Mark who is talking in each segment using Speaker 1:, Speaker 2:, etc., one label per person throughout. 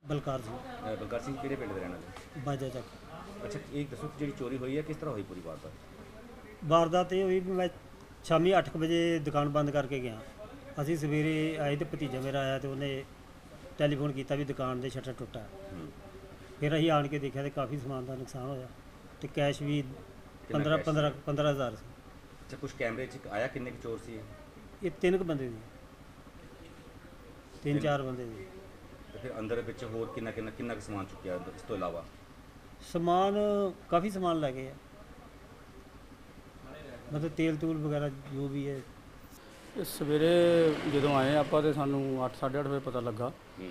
Speaker 1: ਬਲਕਾਰ ਸਿੰਘ
Speaker 2: ਬਲਕਾਰ ਸਿੰਘ ਕਿਹੜੇ ਪਿੰਡ ਦੇ ਰਹਿਣ ਵਾਲੇ?
Speaker 1: ਬਾਜਾ ਚੱਕ।
Speaker 2: ਅੱਛਾ, ਇਹ ਦੱਸੋ ਕਿ ਜਿਹੜੀ ਚੋਰੀ ਹੋਈ ਹੈ ਕਿਸ ਤਰ੍ਹਾਂ ਹੋਈ ਪੂਰੀ ਵਾਰਦਾਤ?
Speaker 1: ਵਾਰਦਾਤ ਇਹ ਹੋਈ ਵੀ ਮੈਂ ਸ਼ਾਮੀ 8 ਵਜੇ ਦੁਕਾਨ ਬੰਦ ਕਰਕੇ ਗਿਆ। ਅਸੀਂ ਸਵੇਰੇ ਆਏ ਤੇ ਭਤੀਜਾ ਮੇਰਾ ਆਇਆ ਤੇ ਉਹਨੇ ਟੈਲੀਫੋਨ ਕੀਤਾ ਵੀ ਦੁਕਾਨ ਦੇ ਸ਼ਟਰ ਟੁੱਟਾ। ਫਿਰ ਅਸੀਂ ਆਣ ਕੇ ਦੇਖਿਆ ਤੇ ਕਾਫੀ ਸਮਾਨ ਦਾ ਨੁਕਸਾਨ ਹੋਇਆ ਤੇ ਕੈਸ਼ ਵੀ 15,000 ਸੀ।
Speaker 2: ਅੱਛਾ, ਕੁਝ ਕੈਮਰੇ 'ਚ ਆਇਆ ਕਿੰਨੇ ਕੁ ਚੋਰ ਸੀ?
Speaker 1: ਇਹ 3 ਬੰਦੇ ਸੀ, 3-4 ਬੰਦੇ ਸੀ।
Speaker 2: ਤੇ ਫਿਰ ਅੰਦਰ ਵਿੱਚ ਹੋਰ ਕਿੰਨਾ ਕੁ ਸਮਾਨ ਚੁੱਕਿਆ ਇਸ ਤੋਂ ਇਲਾਵਾ?
Speaker 1: ਸਮਾਨ ਕਾਫੀ ਸਮਾਨ ਲੈ ਗਏ ਆ, ਮਤਲਬ ਤੇਲ ਤੂਲ ਵਗੈਰਾ ਜੋ ਵੀ ਹੈ।
Speaker 3: ਇਹ ਸਵੇਰੇ ਜਦੋਂ ਆਏ ਆਪਾਂ ਤੇ ਸਾਨੂੰ 8-8:30 ਵਜੇ ਪਤਾ ਲੱਗਾ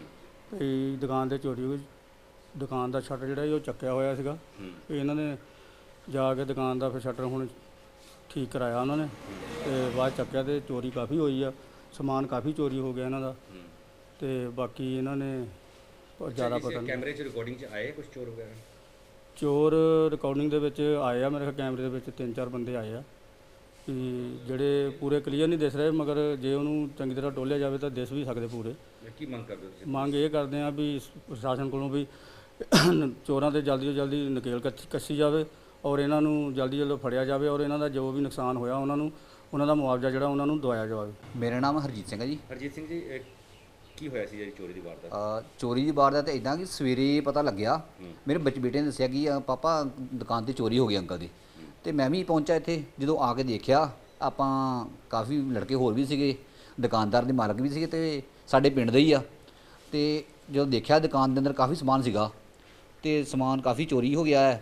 Speaker 3: ਕਿ ਦੁਕਾਨ ਤੇ ਚੋਰੀ ਹੋਈ। ਦੁਕਾਨ ਦਾ ਸ਼ਟਰ ਜਿਹੜਾ ਸੀ ਉਹ ਚੱਕਿਆ ਹੋਇਆ ਸੀਗਾ। ਇਹਨਾਂ ਨੇ ਜਾ ਕੇ ਦੁਕਾਨ ਦਾ ਫਿਰ ਸ਼ਟਰ ਹੁਣ ਠੀਕ ਕਰਾਇਆ ਉਹਨਾਂ ਨੇ ਤੇ ਬਾਅਦ ਚੱਕਿਆ ਤੇ ਚੋਰੀ ਕਾਫੀ ਹੋਈ ਆ। ਸਮਾਨ ਕਾਫੀ ਚੋਰੀ ਹੋ ਗਿਆ ਇਹਨਾਂ ਦਾ ਤੇ ਬਾਕੀ ਇਹਨਾਂ ਨੇ ਜ਼ਿਆਦਾ ਪਤਾ ਨਹੀਂ।
Speaker 2: ਕੈਮਰੇ 'ਚ ਰਿਕਾਰਡਿੰਗ 'ਚ ਆਏ ਕੁਝ ਚੋਰ ਵਗੈਰਾ?
Speaker 3: ਚੋਰ ਰਿਕਾਰਡਿੰਗ ਦੇ ਵਿੱਚ ਆਏ ਆ, ਮੇਰੇ ਖਿਆਲ ਕੈਮਰੇ ਦੇ ਵਿੱਚ 3-4 ਬੰਦੇ ਆਏ ਆ ਕਿ ਜਿਹੜੇ ਪੂਰੇ ਕਲੀਅਰ ਨਹੀਂ ਦਿਸ ਰਹੇ, ਮਗਰ ਜੇ ਉਹਨੂੰ ਚੰਗੀ ਤਰ੍ਹਾਂ ਟੋਲਿਆ ਜਾਵੇ ਤਾਂ ਦਿਸ ਵੀ ਸਕਦੇ ਪੂਰੇ।
Speaker 2: ਕੀ ਮੰਗ ਕਰਦੇ ਹੋ ਤੁਸੀਂ?
Speaker 3: ਮੰਗ ਇਹ ਕਰਦੇ ਆ ਵੀ ਪ੍ਰਸ਼ਾਸਨ ਕੋਲੋਂ ਵੀ ਚੋਰਾਂ ਤੇ ਜਲਦੀ ਤੋਂ ਜਲਦੀ ਨਕੇਲ ਕੱਸੀ ਜਾਵੇ ਔਰ ਇਹਨਾਂ ਨੂੰ ਜਲਦੀ ਫੜਿਆ ਜਾਵੇ ਔਰ ਇਹਨਾਂ ਦਾ ਜੋ ਵੀ ਨੁਕਸਾਨ ਹੋਇਆ ਉਹਨਾਂ ਦਾ ਮੁਆਵਜ਼ਾ ਜਿਹੜਾ ਉਹਨਾਂ ਨੂੰ ਦਵਾਇਆ ਜਾਵੇ।
Speaker 4: ਮੇਰਾ ਨਾਮ ਹਰਜੀਤ ਸਿੰਘ ਹੈ ਜੀ।
Speaker 2: ਹਰਜੀਤ ਸਿੰਘ ਜੀ, ਕੀ ਹੋਇਆ ਸੀ ਜਿਹੜੀ ਚੋਰੀ ਦੀ ਵਾਰਦਾਤ?
Speaker 4: ਚੋਰੀ ਦੀ ਵਾਰਦਾਤ ਇੱਦਾਂ ਕਿ ਸਵੇਰੇ ਪਤਾ ਲੱਗਿਆ, ਮੇਰੇ ਬੇਟੇ ਨੇ ਦੱਸਿਆ ਕਿ ਪਾਪਾ ਦੁਕਾਨ ਤੇ ਚੋਰੀ ਹੋ ਗਈ ਅੰਕਲ ਦੀ। ਤੇ ਮੈਂ ਵੀ ਪਹੁੰਚਾ ਇੱਥੇ। ਜਦੋਂ ਆ ਕੇ ਦੇਖਿਆ, ਆਪਾਂ ਕਾਫੀ ਲੜਕੇ ਹੋਰ ਵੀ ਸੀਗੇ, ਦੁਕਾਨਦਾਰ ਦੇ ਮਾਲਕ ਵੀ ਸੀਗੇ ਤੇ ਸਾਡੇ ਪਿੰਡ ਦੇ ਹੀ ਆ। ਤੇ ਜਦੋਂ ਦੇਖਿਆ ਦੁਕਾਨ ਦੇ ਅੰਦਰ ਕਾਫੀ ਸਮਾਨ ਸੀਗਾ ਤੇ ਸਮਾਨ ਕਾਫੀ ਚੋਰੀ ਹੋ ਗਿਆ ਹੈ।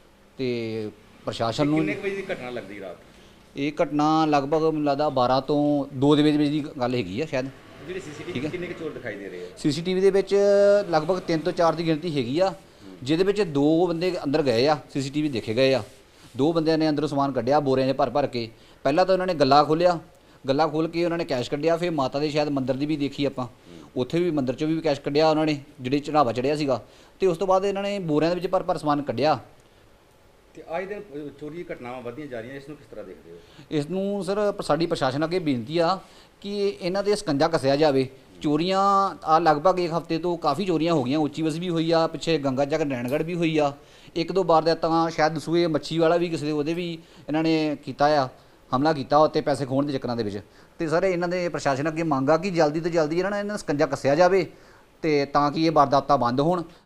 Speaker 4: ਤੇ ਪ੍ਰਸ਼ਾਸਨ ਨੂੰ
Speaker 2: ਕਿੰਨੇ ਵਜੇ ਦੀ ਘਟਨਾ ਲੱਗਦੀ ਰਾਤ?
Speaker 4: ਇਹ ਘਟਨਾ ਲਗਭਗ ਮੈਨੂੰ ਲੱਗਦਾ 12 ਤੋਂ 2 ਦੇ ਵਿੱਚ ਦੀ ਗੱਲ ਹੈਗੀ ਆ ਸ਼ਾਇਦ।
Speaker 2: ਜਿਹੜੇ ਸੀਸੀਟੀਵੀ ਕਿੰਨੇ ਕੁ ਚੋਰ ਦਿਖਾਈ ਦੇ ਰਹੇ ਆ?
Speaker 4: ਸੀਸੀਟੀਵੀ ਦੇ ਵਿੱਚ ਲਗਭਗ 3 ਤੋਂ 4 ਦੀ ਗਿਣਤੀ ਹੈਗੀ ਆ, ਜਿਹਦੇ ਵਿੱਚ 2 ਬੰਦੇ ਅੰਦਰ ਗਏ ਆ, ਸੀਸੀਟੀਵੀ ਦੇਖੇ ਗਏ ਆ। 2 ਬੰਦਿਆਂ ਨੇ ਅੰਦਰੋਂ ਸਮਾਨ ਕੱਢਿਆ ਬੋਰਿਆਂ 'ਚ ਭਰ ਕੇ। ਪਹਿਲਾਂ ਤਾਂ ਉਹਨਾਂ ਨੇ ਗੱਲਾ ਖੋਲ੍ਹਿਆ, ਗੱਲਾ ਖੋਲ੍ਹ ਕੇ ਉਹਨਾਂ ਨੇ ਕੈਸ਼ ਕੱਢਿਆ। ਫਿਰ ਮਾਤਾ ਦੇ ਸ਼ਾਇਦ ਮੰਦਿਰ ਦੀ ਵੀ ਦੇਖੀ ਆਪਾਂ, ਉੱਥੇ ਵੀ ਮੰਦਿਰ 'ਚੋਂ ਵੀ ਕੈਸ਼ ਕੱਢਿਆ ਉਹਨਾਂ ਨੇ, ਜਿਹੜੇ ਚੜਾਵਾ ਚੜਿਆ ਸੀਗਾ। ਤੇ ਉਸ ਤੋਂ ਬਾਅਦ ਇਹਨਾਂ ਨੇ ਬੋਰਿਆਂ ਦੇ ਵਿੱਚ ਭਰ ਸਮਾਨ ਕੱਢਿਆ।
Speaker 2: ਤੇ ਅੱਜ ਦਿਨ ਚੋਰੀ ਦੀ ਘਟਨਾਵਾਂ ਵੱਧਦੀਆਂ ਜਾ ਰਹੀਆਂ, ਇਸ ਨੂੰ ਕਿਸ ਤਰ੍ਹਾਂ ਦੇਖਦੇ ਹੋ?
Speaker 4: ਇਸ ਨੂੰ ਸਰ ਸਾਡੀ ਪ੍ਰਸ਼ਾਸਨ ਅੱਗੇ ਬੇਨਤੀ ਆ ਕਿ ਇਹਨਾਂ ਦੇ ਸਕੰਜਾ ਕੱਸਿਆ ਜਾਵੇ। ਚੋਰੀਆਂ ਆ ਲਗਭਗ 1 ਹਫ਼ਤੇ ਤੋਂ ਕਾਫੀ ਚੋਰੀਆਂ ਹੋ ਗਈਆਂ। ਉੱਚੀ ਬਸ ਵੀ ਹੋਈ ਆ, ਪਿੱਛੇ ਗੰਗਾ ਚੱਕ ਨੈਣਗੜ੍ਹ ਵੀ ਹੋਈ ਆ। 1-2 ਵਾਰ ਦਾ ਤਾਂ ਸ਼ਾਇਦ ਦਸੂਏ ਮੱਛੀ ਵਾਲਾ ਵੀ ਕਿਸੇ ਦੇ ਉਹਦੇ ਵੀ ਇਹਨਾਂ ਨੇ ਕੀਤਾ ਆ, ਹਮਲਾ ਕੀਤਾ ਉੱਤੇ ਪੈਸੇ ਖੋਹਣ ਦੇ ਚੱਕਰਾਂ ਦੇ ਵਿੱਚ। ਤੇ ਸਰ ਇਹਨਾਂ ਦੇ ਪ੍ਰਸ਼ਾਸਨ ਅੱਗੇ ਮੰਗ ਆ ਕਿ ਜਲਦੀ ਤੋਂ ਜਲਦੀ ਇਹਨਾਂ ਸਕੰਜਾ ਕੱਸਿਆ ਜਾਵੇ ਤੇ ਤਾਂ ਕਿ ਇਹ ਵਾਰਦਾਤਾਂ ਬੰਦ ਹੋਣ।